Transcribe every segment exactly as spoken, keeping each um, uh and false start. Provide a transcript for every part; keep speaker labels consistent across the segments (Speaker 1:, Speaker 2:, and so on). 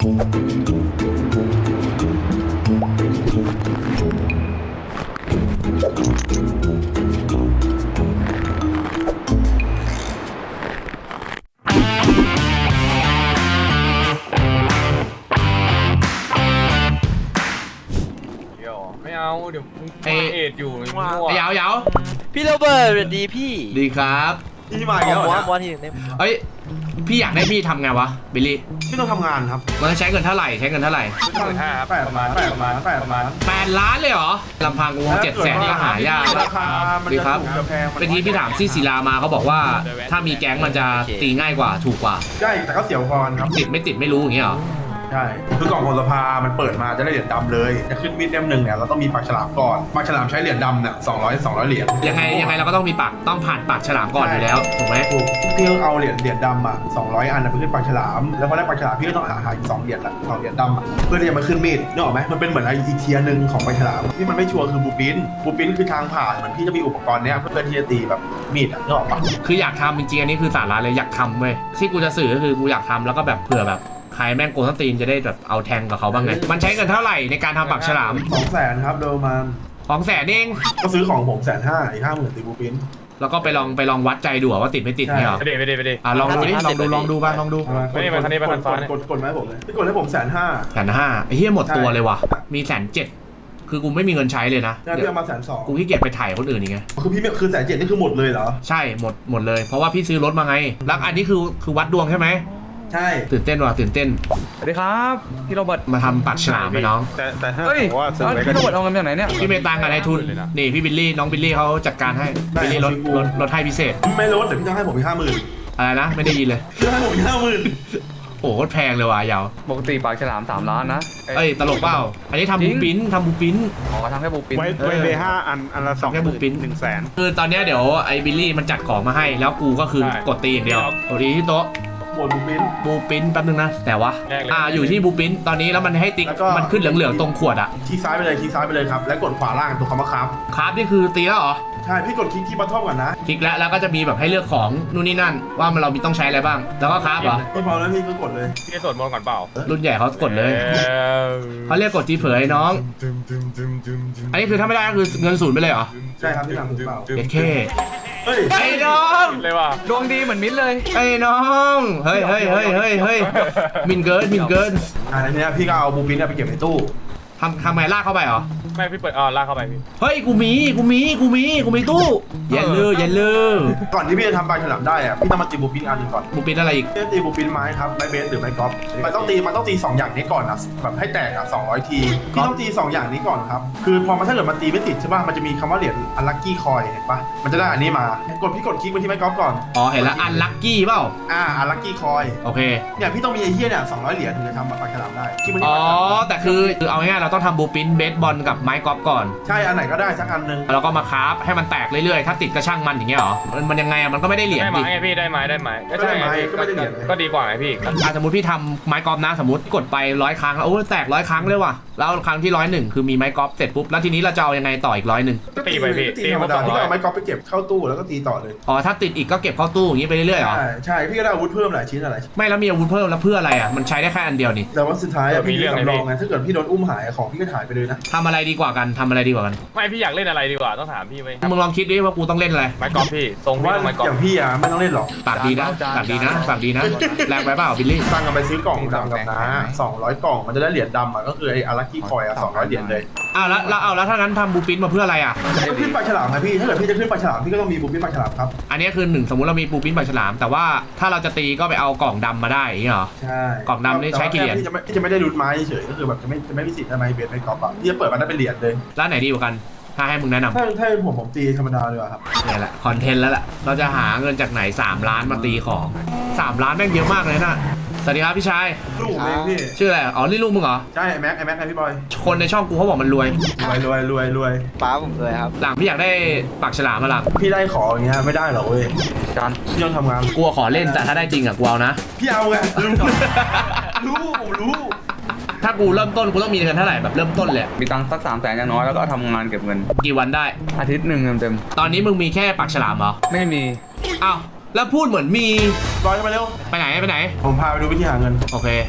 Speaker 1: ไม่เอาเดี๋ยวเอเอ็ดอยู่มั่ว
Speaker 2: ยาวยาว
Speaker 3: พี่โรเบิร์ตสวัสดีพี่
Speaker 2: ดีครับ
Speaker 4: พี่มาอีกแล้ว
Speaker 3: วอ
Speaker 4: เหรอน
Speaker 3: วอนที่หนึ่งได้
Speaker 2: เอ้ยพี่อยากได้พี่ทำไงวะบิลลี่
Speaker 4: พี่ต้องทำงานครับ
Speaker 2: มันใช้เงินเท่าไหร่ใช้เงินเท่าไหร่
Speaker 1: หมื่นห้าครับ
Speaker 4: แปดประมาณแปดประมาณแปดประมาณ
Speaker 2: แปดล้านเลยเหรอลำพังกูเจ็ดแสนนี่ก็หายาก
Speaker 4: ราคามัน
Speaker 2: ดี
Speaker 4: จะ
Speaker 2: ครับ
Speaker 4: ถูกจะแพง
Speaker 2: เป็นที่พี่ถามซี่ศิลามาเขาบอกว่าถ้ามีแก๊งมันจะตีง่ายกว่าถูกกว่า
Speaker 4: ใช่แต่ก็เสียวพรครับ
Speaker 2: ติดไม่ติดไม่รู้อย่างเงี้ยเหรอ
Speaker 4: ใช่คือกล่องพลสภามันเปิดมาจะได้เหรียญดำเลยจะขึ้นมีดเล่มหนึ่งเนี่ยเราต้องมีปากฉลามก่อนปากฉลามใช้เหรียญดำเนี่ยสองร้อยสองร้อยเหรียญ
Speaker 2: ยังไงยังไงเราก็ต้องมีปากต้องผ่านปากฉลามก่อนอยู่แล้วถูกไหม
Speaker 4: ถูกพี่ต้องเอาเหรียญเหรียญดำอ่ะสองร้อยอันนะไปขึ้นปากฉลามแล้วพอได้ปากฉลามพี่ก็ต้องหาหาอีกสองเหรียญละสองเหรียญดำอ่ะเพื่อที่จะมาขึ้นมีดนึกออกไหมมันเป็นเหมือนไออีเทียหนึ่งของปากฉลามที่มันไม่ชัวร์คือบูปินบูปินคือทางผ่านเหมือนพี่จะมีอุปกรณ์เนี้ยเพื่อที่จะตีแบบมีดอ่ะนึกออกปะ
Speaker 2: คืออยากทำจริงๆอันนี้คือสาระเลยอยากทำเว้ยที่กูจะสื่อก็คือกูอยากทำแล้วก็แบบเผื่อแบบใครแม่งโกงสตีนจะได้แบบเอาแทงกับเขาบ้างไงมันใช้เงินเท่าไหร่ในการทำปากฉลาม
Speaker 4: สองแสนครับโดยประมาณ
Speaker 2: สองแสนเอง
Speaker 4: ก็ซื้อของผมแสนห้าอีกห้าหมื่นตีบูปิน
Speaker 2: แล้วก็ไปลองไปลองวัดใจดูว่าติดไม่ติดเนี่ยหรอ
Speaker 1: ไปดิไปดิไปดิ
Speaker 2: อ่ะลองดูดิลองดูลองดูบ้างลองดู
Speaker 1: ไม่ได้มาคันนี้มาคันฟ้าเนี่ย
Speaker 4: กดกดมาให้ผมเลยพี่กดให้ผมแสนห้า
Speaker 2: แสนห้าไอ้เหี้ยหมดตัวเลยว่ะมีแสนเจ็ดคือกูไม่มีเงินใช้เลยนะ
Speaker 4: ได้พี่เอามาแสนสอง
Speaker 2: กูขี้เกียจไปถ่ายคนอื่นอีกไง
Speaker 4: คือพี่ไม่คือแสนเจ็ดนี่คือหมดเลยเหรอ
Speaker 2: ใช่หมดหมดเลยเพราะว่าพี่ซื้อรถมาไงแล้วอันนี้คือคือวัดดวงใช่ไหม
Speaker 4: ใช่
Speaker 2: ตื่นเต้นว่ะตื่นเต้น
Speaker 5: สวัสดีครับพี่โรเบิร์ต
Speaker 2: มาทำปากฉลามไปน้อง
Speaker 1: แต่แต่ถ้า
Speaker 5: เฮ้ย
Speaker 1: ผมว่าซื้อ
Speaker 5: แล้ว
Speaker 1: ไว้ก็
Speaker 5: พี่โร
Speaker 1: ดี
Speaker 5: เบิร์ตเอาเงินมาจากไหนเนี่ย
Speaker 2: พี่เมตังกับนายทุนนี่พี่บิลลี่น้องบิลลี่เขาจัดการให้บิลลี่ลดลดลดให้พิเศษ
Speaker 4: ไม่ลดแต่พี่ต้องให้ผมอีกห้าหมื่น
Speaker 2: อะไรนะไม่ได้ยินเลย
Speaker 4: พี่ต้องให้ผมอีกห้าหมื่น
Speaker 2: โอ้โหแพงเลยว่ะยาว
Speaker 5: ปกติปากฉลามสามล้านนะ
Speaker 2: เอ้ยตลกเปล่าอันนี้ทำ
Speaker 5: จริ
Speaker 2: บู
Speaker 5: ง
Speaker 2: ปิ้นทำบูปิ้น
Speaker 5: อ๋อทำแค่บูปิน
Speaker 1: ไว้ไว้เบห้าอันอันละสอง
Speaker 2: แค่บุ๊กปิ้น
Speaker 1: หนึ่งแสน
Speaker 2: คือตอนเนี้ยเดี๋ยวไอ้บิลลี่มันจัดของมาให้แล้วกูก็คือ
Speaker 1: ใช่
Speaker 2: กดตีอย่างเดียวกดตีที่โต๊ะ
Speaker 4: หมดบูปิน
Speaker 2: บูปิ้นแป๊บนึงนะแต่ว่า
Speaker 1: แรกเลย
Speaker 2: อ่าอยู่ที่บูปิ้นตอนนี้แล้วมันให้ติ๊ก
Speaker 4: แล้วก็
Speaker 2: มันขึ้นเหลืองๆตรงขวดอะ
Speaker 4: คลิกซ้ายไปเลยคลิกซ้ายไปเลยครับแล้วกดขวาล่างตัวคำว่าครับ
Speaker 2: ครับนี่คือตีแล้วเหรอ
Speaker 4: ใช่พี่กดคลิกที่บัตทอมก่อนนะ
Speaker 2: คลิกแล้วแล้วก็จะมีแบบให้เลือกของนู่นนี่นั่น ว่ามันเรามีต้องใช้อะไรบ้าง แล้วก็ครับเหรอ
Speaker 4: พี่พอแล้วพี่ก็กดเลย
Speaker 1: พี่จะสวดมนต์ก่อนเปล่า
Speaker 2: รุ่นใหญ่เขากดเลย
Speaker 1: ออ
Speaker 2: เขาเรียกกดจีเผยน้อง อันนี้คือถ้าไม่ได้ก็คือเงินศูนย์ไปเลยเหรอ
Speaker 4: ใช่ครับพี่ทำถูกเปล่า
Speaker 2: เด็ดเค
Speaker 4: เฮ้ย
Speaker 2: ไอ้น้อง
Speaker 1: เลยว่ะ
Speaker 5: ดวงดีเหมือนมิ้นท์เลย
Speaker 2: ไอ้น้องเฮ้ยเฮ้ยเฮ้ยเฮ้ยเฮ้ยมินเกินมินเกิน
Speaker 4: อ่าในนี้พี่ก็เอาบูปินเนี่ยไปเก็บในตู้
Speaker 2: ทำทำไงลากเข้าไปเหรอ
Speaker 1: ไม่พี่เปิดอ๋อลากเข้าไปพี่
Speaker 2: เฮ้ยกูมีกูมีกูมีกูมีตู้เย็นเลยเย็นเลย
Speaker 4: ก่อนที่พี่จะทำปลาฉลามได้อะพี่ต้องมาตีบูปินอันหนึงก่อน
Speaker 2: บูปินอะไรอีก
Speaker 4: พี่จะตีบูปินไม้ครับไม้เบสหรือไม้กอล์ฟมันต้องตีมันต้องตีสองอย่างนี้ก่อนนะแบบให้แตกอ่ะสองร้อยทีพี่ต้องตีสองอย่างนี้ก่อนครับคือพอมันถ้าเกิดมันตีไม่ติดใช่ป่ะมันจะมีคำว่าเหรียญอันลัคกี้คอยเห็นป่ะมันจะได้อันนี้มากดพี่กดคลิกไปที่ไม้กอล์ฟก่อน
Speaker 2: อ๋อเห็นแล้วอันลัคกี้เปล่า
Speaker 4: อ่าอันลัคกี้คอย
Speaker 2: โอเค
Speaker 4: เนี่ยพี่ต้องมีไอ้เหี้ยเนี่ยสองร้อยเหรียญถึงจะทำปลาฉลามได้คลิกไปที่
Speaker 2: อ๋อ
Speaker 4: ปลาฉลาม
Speaker 2: แต่คือคือเอาง่ายๆเราต้องทำบูปินเบสบอลกับไม้กอล์ฟก่อน
Speaker 4: ใช่อันไหนก็ได้สักอันหนึง
Speaker 2: แล้วก็มาคราฟให้มันแตกเรื่อยๆ ถ้าติดก็ช่างมันอย่างเงี้ยเหรอ มันมันยังไงอะมันก็ไม่ได้เหรียญ
Speaker 1: ได้
Speaker 2: ดิ
Speaker 1: ไม้ไงพี่ได้ไม้ได้ไม้ก็ใช่ไงพี่ก็ดีกว่าไงพี่
Speaker 2: อ่ะสมมติพี่ทำไม้กอล์ฟนะสมมติกดไปร้อยครั้งแล้วโอ้ยแตกร้อยครั้งเลยว่ะ แล้วครั้งที่ร้อยหนึ่งคือมีไม้กอล์ฟเสร็จปุ๊บ แล้วทีนี้เราจะเอายังไงต่ออีกร้อยหนึ่ง
Speaker 4: ก็ตีธรรมดาพี่ก็เอาไม้กอล์ฟไปเก็บเข้าตู้แล้วก็ตีต่อเลย
Speaker 2: อ๋อ ถ้าติดอีกก็เก็บเข้าตู้อย่างงี้ไปเรื่อยๆเหรอ
Speaker 4: ใช่ใช่พี่ก็ได้อาวุธเพิ่มหลายชิ้นหลายชิ้น
Speaker 2: ไม่แล้วมีอาวุธเพิ่มแล้วเพื่ออะไรอ่ะ มันใช้ได้แค่อันเดียวนี่
Speaker 4: แต่ว่าสุดท้ายอะพี่มีสำรองไงถ้าเกิดพี่โดนอุ้มหายของพี่ก็หายไปเลยนะ
Speaker 2: ทำอะไรดีกว่ากันทำอะไรดีกว่ากัน
Speaker 1: ไม่พี่อยากเล่นอะไรดีกว่าต้องถามพี่ไว้
Speaker 2: มึงลองคิดดิว่ากูต้องเล่นอะไร
Speaker 1: ไม้กอล์ฟพี่ทรง
Speaker 4: ผม
Speaker 1: พี่
Speaker 4: ว่า
Speaker 1: ต้องไม้กอล์
Speaker 4: อ
Speaker 1: ฟ
Speaker 4: ย่างพี่อะไม่ต้องเล่นหรอก
Speaker 2: ปากดีนะปากดีนะปากดีนะแรงไปเปล่าบิลลี่
Speaker 4: ตั้งกันไปซื้อกล่องดำกับน้าสองร้อยกล่องมันจะได้เหรียญดำอะก็คือไอ้อารักกี้คอยอะสองร้อยเหรียญเลย
Speaker 2: อ้าวแล้วแล้วเอาแล้วถ้างั้นทำบูปินมาเพื่ออะไรอ่ะ
Speaker 4: ก็ขึ้นปลาฉลามนะพี่ถ้าเกิดพี่จะขึ้นปลาฉลามพี่ก็ต้องมีบุฟเฟ่ต์ปลาฉลามครับ
Speaker 2: อันนี้คือหนึ่งสมมุติเรามีบูปินปลาฉลาม แต่ว่าถ้าเราจะตีก็ไปเอากล่องดำมาได้อย่างเงี้ยเหรอ
Speaker 4: ใช่
Speaker 2: กล่องดำนี่ใช้กี่เหรียญ
Speaker 4: พี่จะไม่พี่จะไม่ได้รูทไม้เฉยก็คือแบบจะไม่จะไม่มีสิทธิ์ได้ไม้เบสไม่กอล์ฟอะพี่จะเปิดมันได้เป็นเหรียญเลย
Speaker 2: ร้านไหนดีกว่ากัน ถ้าให้มึงแนะนำ
Speaker 4: ถ้าถ้าผมผมตีธรรมดาเลยอะครับ
Speaker 2: นี่แหละคอนเทนต์แล้วแหละเราจะหาเงินจากไหนสามล้านมาตีของสามล้านแม่งเยอะมากเลยนะสวัสดีครับพี่ชาย
Speaker 4: ลูกผมเองพี่
Speaker 2: ชื่ออะไรอ๋อนี่ลูกมึงเหรอ
Speaker 4: ใช่ไอ้แม็กไอ้แม็กไอ้พี่บอย
Speaker 2: คนในช่องกูเขาบอกมันรวย
Speaker 4: รวยรวยรวยรวย
Speaker 3: ป้าผมเลยครับ
Speaker 2: หลังพี่อยากได้ปากฉลามมาหลัง
Speaker 4: พี่ได้ขออย่างเงี้ยไม่ได้หรอกเว้ย
Speaker 5: จาน
Speaker 4: พี่ต้องทำงาน
Speaker 2: กลัวขอเล่นแต่ถ้าได้จริงอะกูเอานะ
Speaker 4: พี่เอาไงรู้รู้ผมรู้
Speaker 2: ถ้ากูเริ่มต้นกูต้องมีเงินเท่าไหร่แบบเริ่มต้นเลย
Speaker 5: มีตังค์สักสามแสนอย่างน้อยแล้วก็ทำงานเก็บเงิน
Speaker 2: กี่วันได้
Speaker 5: อาทิตย์หนึ่งเต็ม
Speaker 2: ตอนนี้มึงมีแค่ปากฉลามเหรอ
Speaker 5: ๆไม่มี
Speaker 2: อ้าวแล้วพูดเหมือนมี
Speaker 4: บอยมาเร็ว
Speaker 2: ไปไหนไปไหน
Speaker 4: ผมพาไปดูวิธีหาเงิน
Speaker 2: โอเค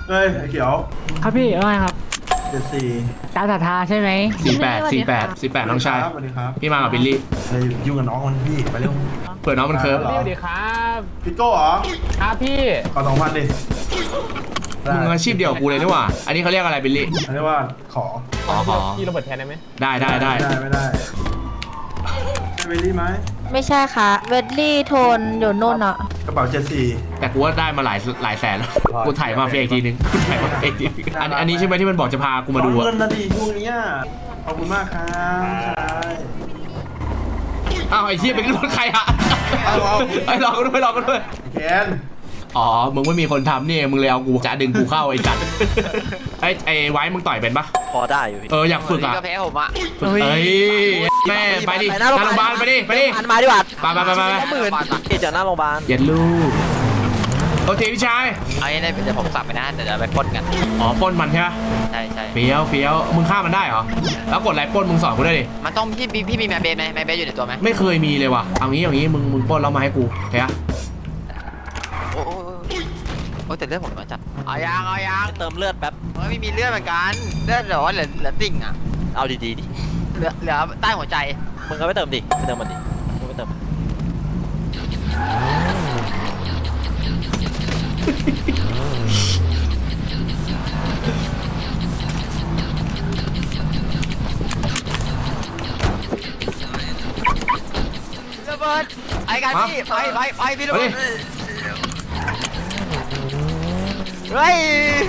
Speaker 4: เฮ้ยไอ้เขียว
Speaker 6: ครับพี่ว่าไงครับ
Speaker 4: เจ็ดสี่
Speaker 6: ตามศรัทธาใช่ไหม
Speaker 2: สี่แปดสี่แปดสี่แปดน้องชาย
Speaker 4: สวัสดีครับ
Speaker 2: พี่มากับบิลลี่
Speaker 4: เฮ้ยยุ่งกับน้องมันพี่ไปเร็ว
Speaker 2: เผื่อน้องมันเคิร์ฟ
Speaker 4: หรอ
Speaker 1: สวัสดีครับ
Speaker 4: พี่โก้เหรอ
Speaker 1: ครับพี่
Speaker 4: ขอสองพันดิ
Speaker 2: มึงอาชีพเดียวกับกูเลยนี่หว่าอันนี้เขาเรียกอะไรบิลลี่
Speaker 4: อันนี้ว่าขอ
Speaker 2: ขอขอ
Speaker 1: พี่โรเบิร์ตแทนได้ไหม
Speaker 2: ได้ได้ได้
Speaker 4: ไม่ได้ไม่ได้ใช่เวลลี่ไหม
Speaker 7: ไม่ใช่ค่ะ เวดลี่โทนอยู่นู่นอ่ะ
Speaker 4: กระเป๋าเจ็ดสี่
Speaker 2: แต่กูว่าได้มาหลายหลายแสนแล้วกูถ่ายมาเฟียอีกทีนึงกูถ่ายมาเฟียอีกทีนึงอันอันนี้ใช่ไหมที่มันบอกจะพากูมาดู
Speaker 4: ขอ
Speaker 2: อะ
Speaker 4: เงินนะดิช่วงเนี้ยขอบคุณมากครับใช่
Speaker 2: อ้าวไอ้เหี้ยเป็นรถใครอะไอ้รอกันด้วยรอกันด้วย
Speaker 4: แคน
Speaker 2: อ๋อมึงไม่มีคนทำนี่มึงเลยเอากูจะดึงกูเข้าไอ้จัดไอ้ไอ้ไว้มึงต่อยเป็นปะ
Speaker 3: พอได้อยู่พี่
Speaker 2: เอออยากฝึกอะ
Speaker 3: ก็แพ้ผมอ่ะ
Speaker 2: เอ้ยแม่ไปดิหน้าโรงพยาบาลไปดิไปดิ
Speaker 3: อันมาดีกว่า
Speaker 2: ไปไปไปไปไป
Speaker 3: หมื่นเกี่ยวจากหน้าโรงพยาบาล
Speaker 2: เย็นลูกโอเคพี่ชาย
Speaker 3: เอางี้ได้เดี๋ยวผมสับไปนะเดี๋ยวจะไปปล้นกัน
Speaker 2: อ๋อปล้นมันใช่ปะ
Speaker 3: ใช่ใช่
Speaker 2: เฟี้ยวเฟี้ยวมึงฆ่ามันได้เหรอแล้วกดไลค์ปล้นมึงสอนกูด้วยดิ
Speaker 3: มันต้องพี่พี่พี่มีแมเบสไหมแมเบสอยู่ในตัวไหม
Speaker 2: ไม่เคยมีเลยว่ะเอางี้เอางี้มึงมึงปล้นแล้วมาให้กูโอเคอะ
Speaker 3: โอ้โหโอ้แต่เลือดผมน้อยจัดเอายางเอายางเติมเลือดแป๊บไม่มีเลือดเหมือนกันเลือดเหลือเหลือเหลือติ่งอ่ะเอาดีๆดิเหลือเหลือใต้หัวใจมึงก็ไปเติมดิไปเติมมันดิมึงไปเติมระเบิดไอ้กันพี่ไปไปไปพี่ระเบิดเฮ้ย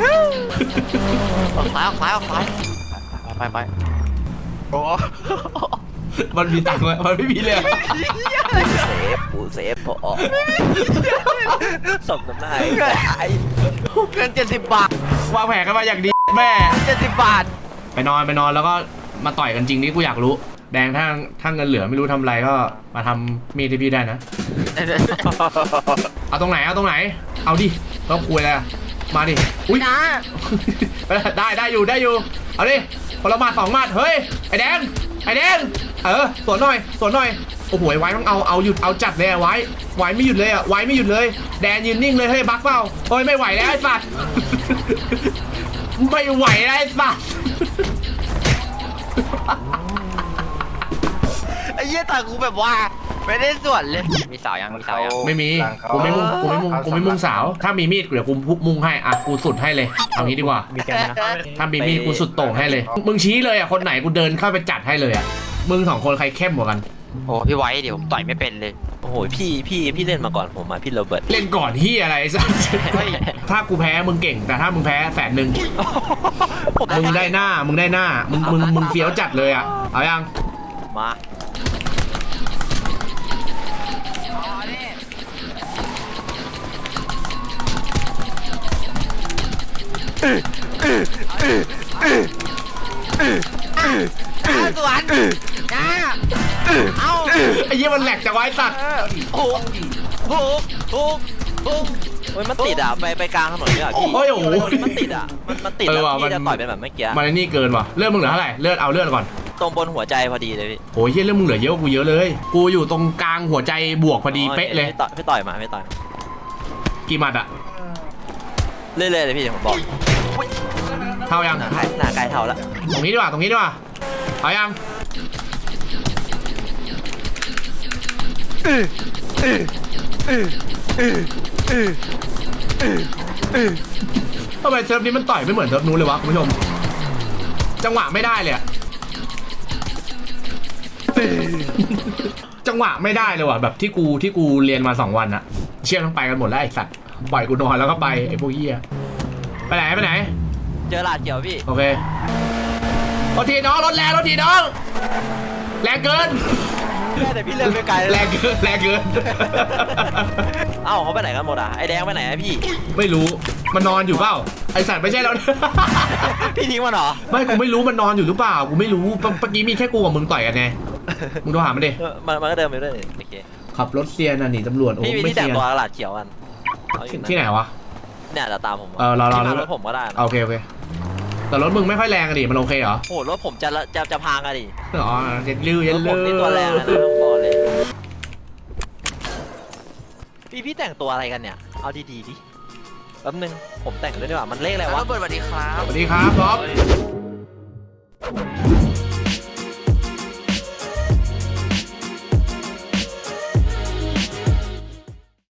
Speaker 3: ออกซ้ายออกซ้ายออกซ้ายไปไปโอ้
Speaker 2: มันมีตังค์ไหมมันไม่มีเลยอะ
Speaker 3: เซฟกูเซฟพอสมน้ำหน้าไอ้เงินเจ็ดสิบบาท
Speaker 2: วางแผนกันมาอย่างดีแม่
Speaker 3: เจ็ดสิบบาท
Speaker 2: ไปนอนไปนอนแล้วก็มาต่อยกันจริงนี่กูอยากรู้ แดงถ้าถ้าเงินเหลือไม่รู้ทำอะไรก็มาทำมีดที่พี่ได้นะ เอาตรงไหนเอาตรงไหน เอาดิต้องคุยอะไรอะมาดิอุ้ย
Speaker 3: นะ
Speaker 2: ได้ได้อยู่ได้อยู่เอาดิคนละหมาดสองหมาดเฮ้ยไอแดงไอแดงเออสวนหน่อยสวนหน่อยโอ้โหไว้ต้องเอาเอาหยุดเอาจัดเลยอะไว้ไว้ไม่หยุดเลยอะไว้ไม่หยุดเลยแดนยืนนิ่งเลยเฮ้ยบักเปล่าเฮ้ยไม่ไหวแล้วไอ้สัตว์ ไม่ไหวแล้วไอ้สัตว์
Speaker 3: ไอ้เหี้ยตากูแบบว่าไม่ได้ส่วนเลยมีสาวยังมีสาวยัง
Speaker 2: ไม่มีกูไม่มุ่งกูไม่มุ่งกูไม่มุ่งสาวถ้ามีมีดเดี๋ยวกูมุ่งให้อ่ะกูสุดให้เลยเอางี้ดีกว่า
Speaker 1: มีแกนนะ
Speaker 2: ถ้ามีมีดกูสุดโต่งให้เลย มึงชี้เลยอ่ะคนไหนกูเดินเข้าไปจัดให้เลยอ่ะมึงสองคนใครเข้มกว่ากัน
Speaker 3: โอ้พี่ไว้เดี๋ยวผมต่อยไม่เป็นเลยโอ้โหพี่พี่พี่เล่นมาก่อนผมมาพี่โรเบิร์ต
Speaker 2: เล่นก่อนที่อะไรไอ้สัส
Speaker 3: เฮ้ย
Speaker 2: ถ้ากูแพ้มึงเก่งแต่ถ้ามึงแพ้แสนหนึ่งมึงได้หน้ามึงได้หน้ามึงมึงมึงเฟี้ยวจัดเลยอ่ะเอายัง
Speaker 3: มาสวนนะเอา
Speaker 2: ไอ้เหี้ยมันแหลกจากไว้สัตว์
Speaker 3: โอ้โหโอ้โหโอ้โหเฮ้ยมันติดอ่ะไปไปกลางถนนเลยอ่ะพี่
Speaker 2: โอ้ยโอ้โห
Speaker 3: มันติดอ่ะมันมันติด
Speaker 2: เออ
Speaker 3: แล้ว
Speaker 2: ว่ะ
Speaker 3: พี่จะ
Speaker 2: มัน
Speaker 3: ต่อยเป็นแบบเมื่อกี้
Speaker 2: มันไอ้นี่เกินว่ะเลือดมึงเหลือเท่าไหร่เลือดเอาเลือดก่อน
Speaker 3: ตรงบนหัวใจพอดีเลยพี่
Speaker 2: โอ้ยเหี้ยเลือดมึงเหลือเยอะกว่ากูเยอะเลยกูอยู่ตรงกลางหัวใจบวกพอดีเป๊ะเลย
Speaker 3: พี่ต่อยพี่ต่อยมาพี่ต่อยมา
Speaker 2: กี่หมัดอะ
Speaker 3: เรื่อยๆเลยพี่เดี๋ยวผมบอก
Speaker 2: เท่ายัง
Speaker 3: หน้าไกลหน้าไกลเท่าละ
Speaker 2: ตรงนี้ดีกว่าตรงนี้ดีกว่าเอายังทำไมเซิร์ฟนี้มันต่อยไม่เหมือนเซิร์ฟนู้นเลยวะคุณผู้ชมจังหวะไม่ได้เลยอะจังหวะไม่ได้เลยว่ะแบบที่กูที่กูเรียนมาสองวันอะเชี่ยต้องไปกันหมดแล้วไอ้สัตว์ปล่อยกูนอนแล้วก็ไปไอ้พวกเหี้ยไปไหนไปไหน
Speaker 3: เจอลาดเขียวพี่
Speaker 2: โอเครถทีน้องรถแรงรถทีน้องแรงเกิน
Speaker 3: แต่พี่เลื่อนไปไกล
Speaker 2: แรงเกินแรงเกิน
Speaker 3: เอ้าเขาไปไหนกันหมดอ่ะไอแดงไปไหนอะพี่
Speaker 2: ไม่รู้มันนอนอยู่เปล่าไอสัตว์ไม่ใช่แล้ว
Speaker 3: พี่ทิ้งมันเหรอ
Speaker 2: ไม่กูไม่รู้มันนอนอยู่หรือเปล่ากูไม่รู้เมื่อกี้มีแค่กูกับมึงต่อยกันไงมึงโทรหามันดิ
Speaker 3: เออมันมันก็เดินไปเรื่อยโอเค
Speaker 2: ขับรถเซียนน่ะหนีตำรวจโอ้
Speaker 3: พี่มี
Speaker 2: ไม่
Speaker 3: ที่แต่
Speaker 2: เซี
Speaker 3: ง
Speaker 2: ยน
Speaker 3: ตัวลาดเขียวกันเอาอยู่
Speaker 2: ที่ไหนวะ
Speaker 3: เนี่ยจะตามผม
Speaker 2: เออรอรอ
Speaker 3: ที่
Speaker 2: รอ
Speaker 3: มารถผมก็ได้นะ
Speaker 2: โอเคโอเคแต่รถมึงไม่ค่อยแรงอะดิมันโอเคเหรอ
Speaker 3: โอ้โหรถผมจะละจะจะพังอะดิ
Speaker 2: อ๋อเย็นลื้อเย็
Speaker 3: ร
Speaker 2: น
Speaker 3: ถผ
Speaker 2: ลื้
Speaker 3: ม
Speaker 2: อ
Speaker 3: นี่ตัวแรงนะต้องบอกเลยพี่พี่แต่งตัวอะไรกันเนี่ยเอาดีๆดิ
Speaker 8: แป๊บนึงผมแต่งด้วยดีกว่ามันเลขอะไร
Speaker 3: แล้ว
Speaker 8: วะ
Speaker 3: ระเบิดสวัสดีครับ
Speaker 2: สวัสดีครับบ๊อบ
Speaker 1: เฮ้ย